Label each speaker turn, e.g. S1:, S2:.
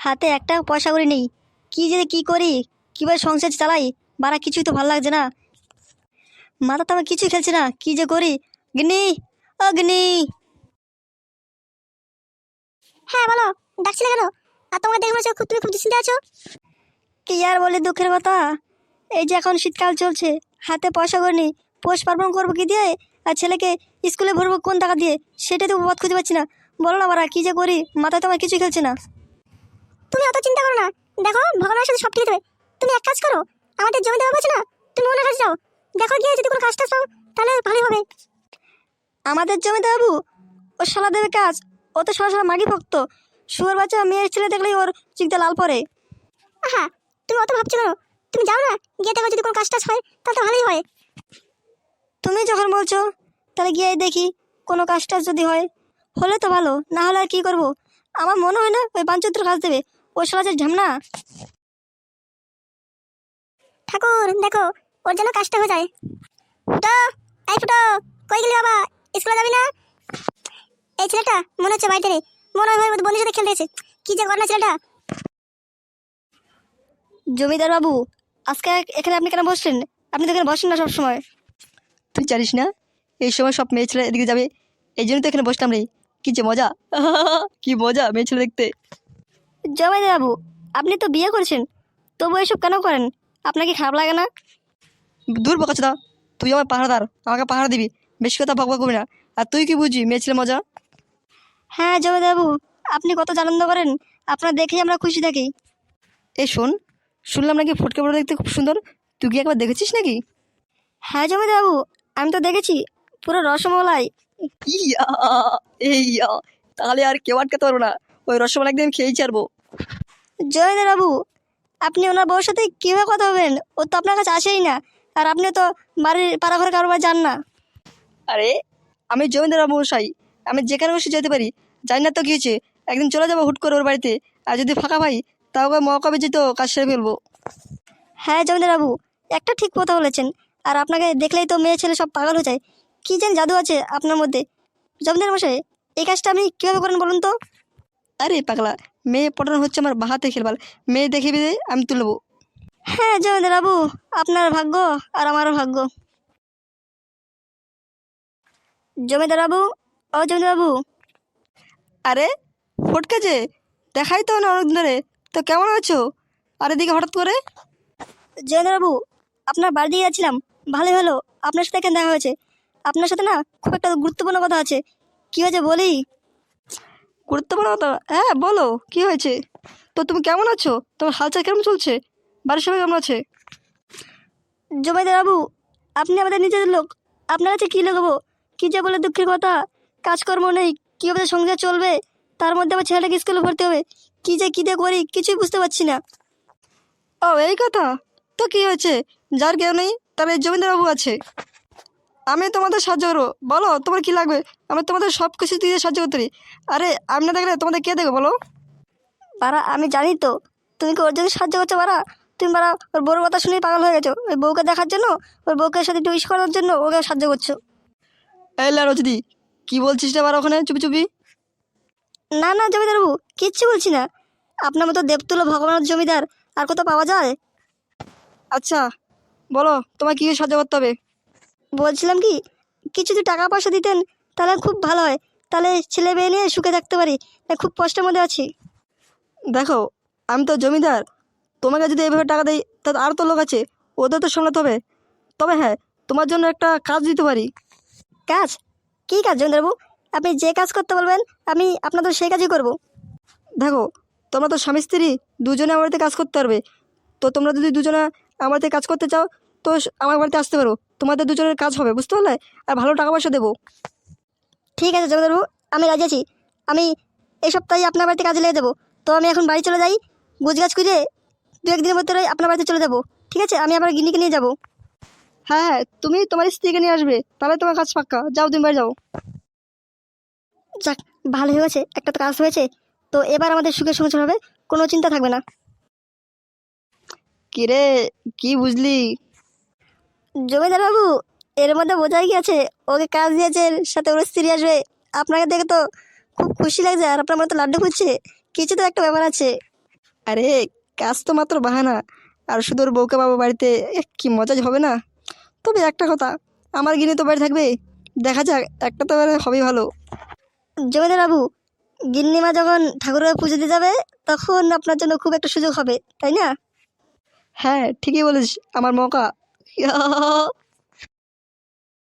S1: হাতে একটা পয়সা করে নেই। কি যে কি করি, কীভাবে সংসার চালাই, বাড়া কিছুই তো ভালো লাগছে না। মাথা তো আমার কিছুই খেলছে না, কি যে করি। গিন্নি, ও গিন্নি।
S2: হ্যাঁ বলো, ডাকছিলে কেন? আর তোমাকে দেখে মনে হচ্ছে তুমি খুব দুশ্চিন্তা আছো।
S1: কি আর বলে দুঃখের কথা, এই যে এখন শীতকাল চলছে, হাতে পয়সা করে নেই, পৌষ পার্বণ করবো কি দিয়ে, আর ছেলেকে স্কুলে ভরবো কোন টাকা দিয়ে, সেটাই তো পথ খুঁজে পাচ্ছি না। বলো না বাড়া, কি যে করি, মাথায় তো আমার কিছুই খেলছে না।
S2: তুমি অত চিন্তা করো না, দেখো ভগবানের সাথে সব ঠিক দেবে। তুমি এক কাজ করো, আমাদের জমি দেওয়া আছে না, তুমি ওনার কাছে যাও, দেখো গিয়ে যদি কোনো কাজটা পাও তাহলে ভালোই হবে।
S1: আমাদের জমিতে বাবু, ও শালা দেবে কাজ, ও তো সরাসরি মাগি ভক্ত। শুয়োর বাচ্চা মেয়ের ছেলে দেখলেই ওর চিকতে লাল পরে।
S2: হ্যাঁ, তুমি অত ভাবছো কেন? তুমি যাও না, গিয়ে দেখো যদি কোনো কাজটা হয় তাহলে তো ভালোই হয়।
S1: তুমি যখন বলছো, তাহলে গিয়ে দেখি কোনো কাজটা যদি হয়। হলে তো ভালো, না হলে আর কি করবো। আমার মনে হয় না ওই বাঞ্চত্র কাজ দেবে, ওই শালা যে ঝামনা।
S2: ঠাকুর দেখো, ওর জন্য কাজটা হয়ে যায়। ফুটো, এই ফুটো, কই গেলি বাবা? স্কুলে যাবি না? এই ছেলেটা মনে হচ্ছে বাড়িতে নেই, মনে হয় ওর বন্ধুর সাথে খেলতে গেছে। কি যে করে না ছেলেটা।
S1: জমিদার বাবু, আজকে এখানে আপনি কেন বসছেন? আপনি তো এখানে বসেন না সবসময়। তুই জানিস না এই সময় সব মেয়ে ছেলে এদিকে যাবে, এই জন্য তো এখানে বসলাম রে। কি যে মজা, কি মজা মেয়ে ছেলে দেখতে। জমিদার বাবু, আপনি তো বিয়ে করেছেন, তবু এসব কেন করেন? আপনার কি খারাপ লাগে না? দূর বকাচোদা, তুই আমার পাহারাদার, আমাকে পাহারা দিবি, বেশি কথা বকবক করবি না। আর তুই কি বুঝবি মেয়ে ছেলে মজা? হ্যাঁ জমিদার বাবু, আপনি কত আনন্দ করেন, আপনার দেখেই আমরা খুশি থাকি। এই শোন, শুনলাম নাকি ফটকে বড় দেখতে খুব সুন্দর, তুই কি একবার দেখেছিস নাকি? হ্যাঁ জমিদার বাবু, আমি তো দেখেছি, পুরো রসমলাই। ইয়া, ইয়া, তাহলে আর কেউ আটকাতে পারবো না, ওই রসমালাই একদিন খেয়েই ছাড়বো। জমিদার বাবু, আপনি ওনার বউর সাথে কীভাবে কথা হবেন? ও তো আপনার কাছে আসেই না, আর আপনি তো বাড়ির পাড়া ঘরে কারোবার যান না। আরে আমি জমিদার বাবু মশাই, আমি যেখানে বসে যেতে পারি, জানি না তো কী হয়েছে, একদিন চলে যাবো হুট করে ওর বাড়িতে, আর যদি ফাঁকা পাই তাও ওকে মৌকা বেঁচে তো কাজ সেরে ফেলবো। হ্যাঁ জমিদার বাবু, একটা ঠিক কথা বলেছেন, আর আপনাকে দেখলেই তো মেয়ে ছেলে সব পাগল হয়ে যায়। কী যেন জাদু আছে আপনার মধ্যে। জমিদার মশাই, এই কাজটা আপনি কীভাবে করেন বলুন তো? আরে পাগলা, মেয়ে পটানো হচ্ছে আমার বাহাতে খেলবার, মেয়ে দেখে বিদে আমি তুলবো। হ্যাঁ জমিদার বাবু, আপনার ভাগ্য আর আমারও ভাগ্য। জমিদার বাবু, ও জমিদার বাবু। আরে ফটকে যে, দেখাই তো না অনেকদিন ধরে, তো কেমন আছো? আর এদিকে হঠাৎ করে? জমিদার বাবু, আপনার বাড়ি দিয়ে যাচ্ছিলাম, ভালোই হলো আপনার সাথে এখানে দেখা হয়েছে। আপনার সাথে না খুব একটা গুরুত্বপূর্ণ কথা আছে। কী হয়েছে বলি? গুরুত্বপূর্ণ কথা? হ্যাঁ বলো, কি হয়েছে? তো তুমি কেমন আছো, তোমার হালচাল কেমন চলছে, বাড়ির সবাই কেমন আছে? জমিদার বাবু, আপনি আমাদের নিজের লোক, আপনার কাছে কী লাগাবো? কী যে বলে দুঃখের কথা, কাজকর্ম নেই, কীভাবে সংসার চলবে, তার মধ্যে আমার ছেলেটাকে স্কুলে ভর্তি হবে, কী যে করি কিছুই বুঝতে পারছি না। ও এই কথা, তো কী হয়েছে? যার কেউ নেই তার এই জমিদার বাবু আছে, আমি তোমাদের সাহায্য করবো, বলো তোমার কি লাগবে, আমি তোমাদের সব কিছু দিয়ে সাহায্য করতে পারি। আরে আমি না দেখলে তোমাদের কে দেবে বলো? বাড়া আমি জানি তো, তুমি কি ওর জন্য সাহায্য করছো বাড়া? তুমি বাড়া ওর বউর কথা শুনেই পাগল হয়ে গেছো, ওই বউকে দেখার জন্য, ওর বউকে সাথে একটু ইস করার জন্য ওকে সাহায্য করছো। এই রজদি, কি বলছিস রে বাড়া ওখানে চুপি চুপি? না না জমিদার বাবু, কিচ্ছু বলছি না। আপনার মতো দেবতুল্য ভগবানের জমিদার আর কত পাওয়া যায়? আচ্ছা বলো, তোমার কী সাহায্য করতে হবে? বলছিলাম কি, কিছু যদি টাকা পয়সা দিতেন তাহলে খুব ভালো হয়, তাহলে ছেলে মেয়ে নিয়ে সুখে থাকতে পারি, খুব কষ্টের মধ্যে আছি। দেখো আমি তো জমিদার, তোমাকে যদি এইভাবে টাকা দেই তাহলে আর তো লোক আছে, ওদের তো সামলাতে হবে। তবে হ্যাঁ, তোমার জন্য একটা কাজ দিতে পারি। কাজ? কী কাজ জমিদারবাবু? আপনি যে কাজ করতে বলবেন আমি আপনাদের সেই কাজই করব। দেখো, তোমরা তো স্বামী স্ত্রী দুজনে আমার বাড়িতে কাজ করতে পারবে, তো তোমরা যদি দুজনে আমার বাড়িতে কাজ করতে চাও তো আমার বাড়িতে আসতে পারো, তোমাদের দুজনের কাজ হবে বুঝতে পারলে, আর ভালো টাকা পয়সা দেবো। ঠিক আছে জমিদারবাবু, আমি রাজি আছি। আমি এই সপ্তাহে আপনার বাড়িতে কাজে লেগে যাবো। তো আমি এখন বাড়ি চলে যাই, গুছগাছ করে দু একদিনের মধ্যে আপনার বাড়িতে চলে যাবো। ঠিক আছে, আমি আবার গিন্নিকে নিয়ে যাবো। হ্যাঁ হ্যাঁ, তুমি তোমার স্ত্রীকে নিয়ে আসবে, তাহলে তোমার কাজ পাক্কা। যাও তুমি বাড়ি যাও। যাক, ভালো হয়ে গেছে, একটা তো কাজ হয়েছে, তো এবার আমাদের সুখে সংসার হবে, কোনো চিন্তা থাকবে না। কিরে, কি বুঝলি? জমিদার বাবু, এর মধ্যে বোঝাই গেছে ওকে কাজ দিয়েছে, সাথে ওর স্ত্রী আসবে। আপনাকে দেখে তো খুব খুশি লাগছে, আর আপনার মতো লাড্ডু খুঁজছে, কিছু তো একটা ব্যাপার আছে। আরে কাজ তো মাত্র বাহানা, আর শুধু ওর বউকে পাবো বাড়িতে, কি মজা যে হবে না। তবে একটা কথা, আমার গিনি তো বাড়ি থাকবে, দেখা যাক, একটা তো এবারে হবেই ভালো। জমিদার বাবু, গিন্নিমা যখন ঠাকুরের পুজো দিতে যাবে তখন আপনার জন্য খুব একটা সুযোগ হবে, তাই না? হ্যাঁ ঠিকই বলিস, আমার মৌকা।